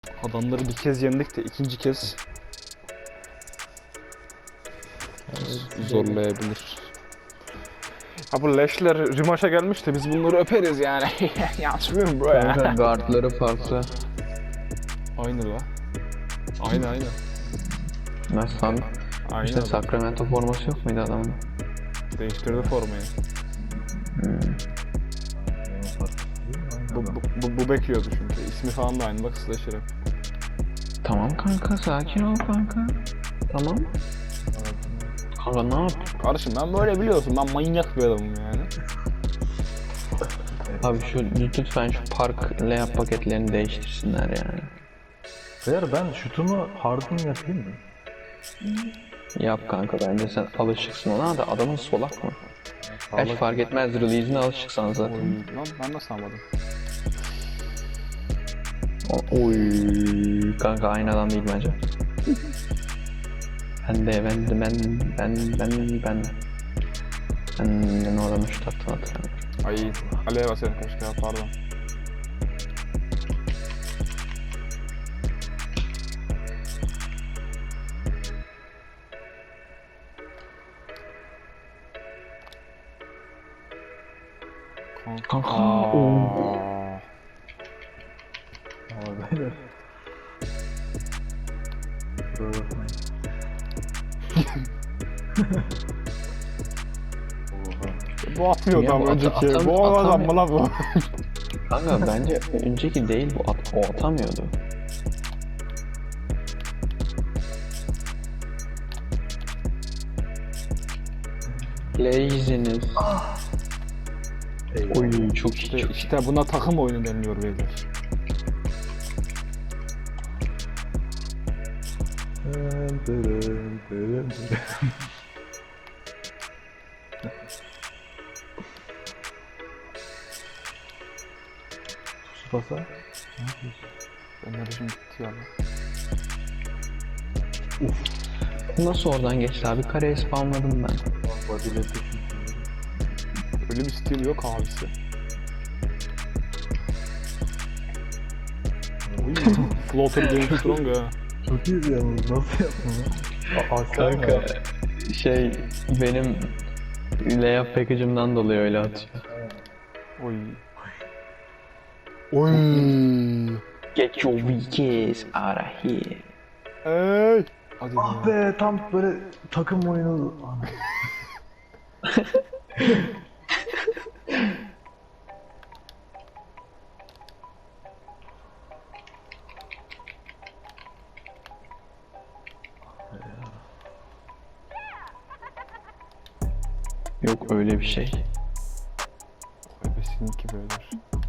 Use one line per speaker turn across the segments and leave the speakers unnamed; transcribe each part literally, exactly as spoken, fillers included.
Adamları bir kez yendik de ikinci kez zorlayabilir. Ha bu leşler rimaşa gelmiş de biz bunları öperiz yani. Yanlış mıyım bro ya?
Kanka guardları farklı.
Aynı la. Aynı aynı.
Mesela
Aynı
işte
adam.
Sacramento forması yok muydu adamın?
Değiştirdi formayı.
Hmm.
Bu, bu, bu, bu bekliyordu çünkü. İsmi falan da aynı bak Slasher hep.
Tamam kanka, sakin ol kanka. Tamam. Kanka ne yap?
Kardeşim ben böyle biliyorsun, ben manyak bir adamım yani.
Abi şu lütfen şu park layup paketlerini değiştirsinler yani.
Eğer ben şutumu harden yapayım mı?
Yap kanka, bence sen alışıksın ona da adamın solak mı? Hiç fark etmez, release'ine alışıksan zaten.
Oy, lan ben nasıl anladım?
O- Oy kanka aynı adam değil bence. Ben de ben de ben ben ben ben ben ben o adamı şu taktım hatırlamıyorum.
Ay, Ali'ye basayım keşke ya, pardon.
Kanka,
Aa.
Ama beyler. Kusura bakmayın. Oha.
Bu atmıyordu
Ya bu
ama
ata-
önceki.
atam-
Bu adam
atamıyor.
mı lan bu?
kanka bence önceki değil bu, at, o atamıyordu. Laziness.
Eyvah.
Oy çok iyi
İşte,
çok iyi.
işte buna takım oyunu deniliyor beyler.
Dın dırın dırın dırın. Tsubasa? Ne yapıyorsun?
Enerjim gitti ya.
Nasıl oradan geçti abi? Kareye spamladım ben.
Body'leti
Öyle bir stil yok abisi. Floater Game Strong ha.
çok iyiydi yalnız. Nasıl yaptın lan? Aa, sen mi
Kanka
yaptın?
şey benim layup package'ımdan dolayı öyle atıyor.
Oy. Oy.
Get your weakest out of here.
Ey. Hadi
Ah
be.
be, tam böyle takım oyunu.
Yok öyle bir şey.
Besinki beyler.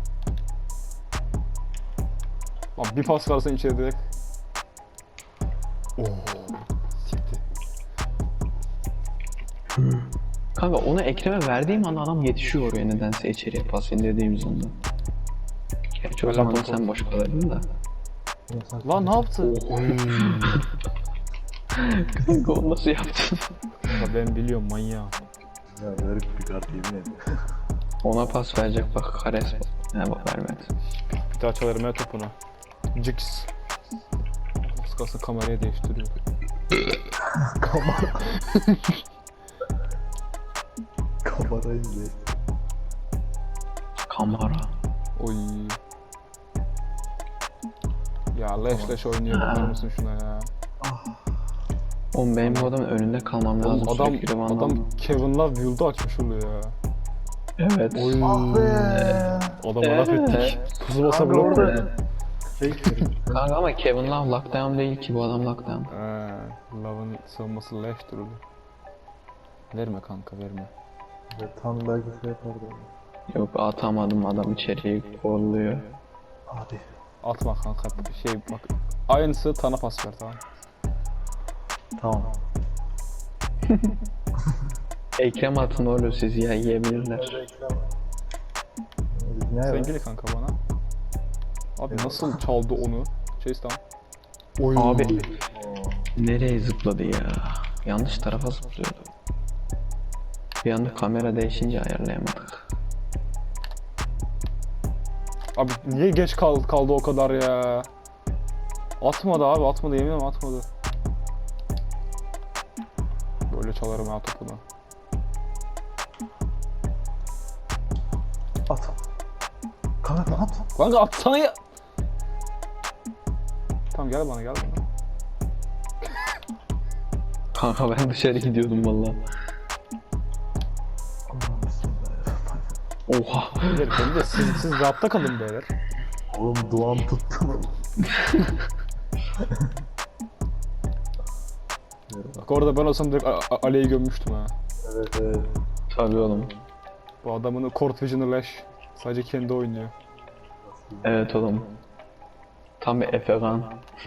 Lan bir pas versen içeri direkt. Oo. Sikti.
Kanka onu Ekrem'e verdiğim anda adam yetişiyor oraya nedense içeriye pas indirdiğim anda. Gerçi o zaman sen boş kalırdın da.
Lan ne yaptı?
Kanka onu nasıl yaptın?
Ya ben biliyorum manyağı.
Ya verip bir kart yemin ederim.
Ona pas verecek bak Kares. He bak vermedi.
Bir daha çalarım ya topunu. Jigs. Az kalsın kamerayı değiştiriyor.
Kamera. Kamerayı bile.
Kamera.
Oy. Ya leş leş oynuyor, bakar mısın şuna ya?
Oğlum benim bu adamın önünde kalmam lazım.
Oğlum adam,
sürekli Van
adam
Damme.
Kevin Love build'u açmış oluyor ya.
Evet.
Oy.
Ah be.
Adama laf ettik. Pusu basa
Kanka
blok
orada-
koydu.
Fake.
Kanka ama Kevin Love lockdown değil ki, bu adam lockdown.
Eee, Love'ın savunması leş durulu. Verme kanka, verme.
Tam belki şey yapardı.
Yok atamadım, adam içeriye kolluyor.
Hadi.
Atma kanka, şey bak. Aynısı Tan'a pas ver, tamam.
Tamam.
Ekrem atın oğlum, sizi ya yiyebilirler.
Ne
Sen
var?
gel kanka bana. Abi nasıl çaldı onu? Chase down. Oy.
Abi nereye zıpladı ya? Yanlış tarafa zıplıyordu. Bir anda kamera değişince ayarlayamadık.
Abi niye geç kaldı, kaldı o kadar ya? Atmadı abi, atmadı, yemin ederim atmadı. Böyle çalarım ha topunu.
At. Kanka at.
Kanka atsana ya. Tamam gel bana, gel bana.
Kanka ben dışarı gidiyordum valla.
Allah'ım bismillah.
Oha.
Beyler beni de siz, siz rahatta kalın beyler.
Oğlum duam tuttu.
Bak orada ben olsam direkt A- A- Ali'yi gömmüştüm ha.
Evet evet.
Tabii oğlum.
Bu adamın Court Vision'ı leş. Sadece kendi oynuyor.
Evet oğlum. Tam bir Efekan.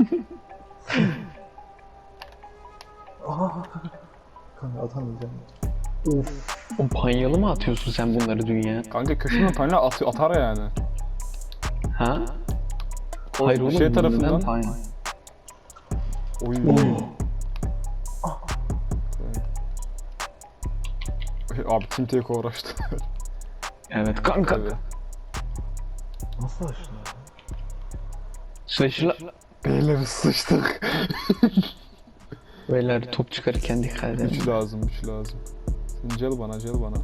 Aa. Kanka atamayacağım. Of.
O panyalı mı atıyorsun sen bunları dünya?
Kanka köşeden tane at, atar yani.
Ha?
O
Hayır oğlum.
şey
neden
tarafından.
panya?
Oy. Abi Team Take uğraştı.
Evet kanka.
Tabii.
Nasıl açtın?
Sıçla.
Beyler sıçtık.
Beyler top çıkarırken dikkat edin.
Güç lazım, güç lazım. Sen gel bana, gel bana.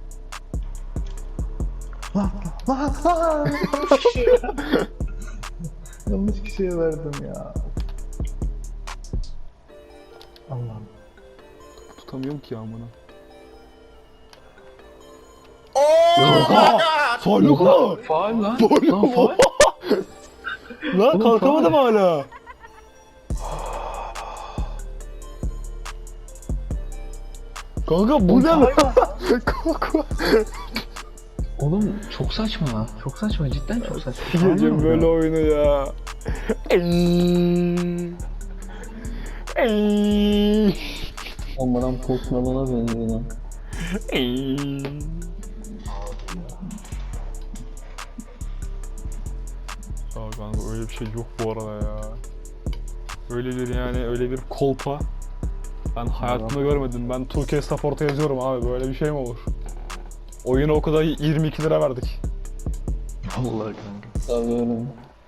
Lan lan lan. Yanlış kişiye verdim ya. Allah'ım.
Tutamıyorum ki amına.
Oha!
Faluka!
Faal lan. Lan faal.
Lan
Oğlum,
kalkamadım
faul.
hala. Kanka bu ne lan? Kanka.
Oğlum çok saçma. Çok saçma. Cidden çok saçma.
Yiyeceğim böyle oyunu ya. Ey. Ey.
Olmadan Post Malone'a benziyor lan.
Ey. Ya kanka öyle bir şey yok bu arada ya. Öyle bir yani öyle bir kolpa ben hayatımda görmedim. Ben Türkiye Support'a yazıyorum abi, böyle bir şey mi olur? Oyuna o kadar yirmi iki lira verdik.
Vallahi kanka.
Tabii oğlum.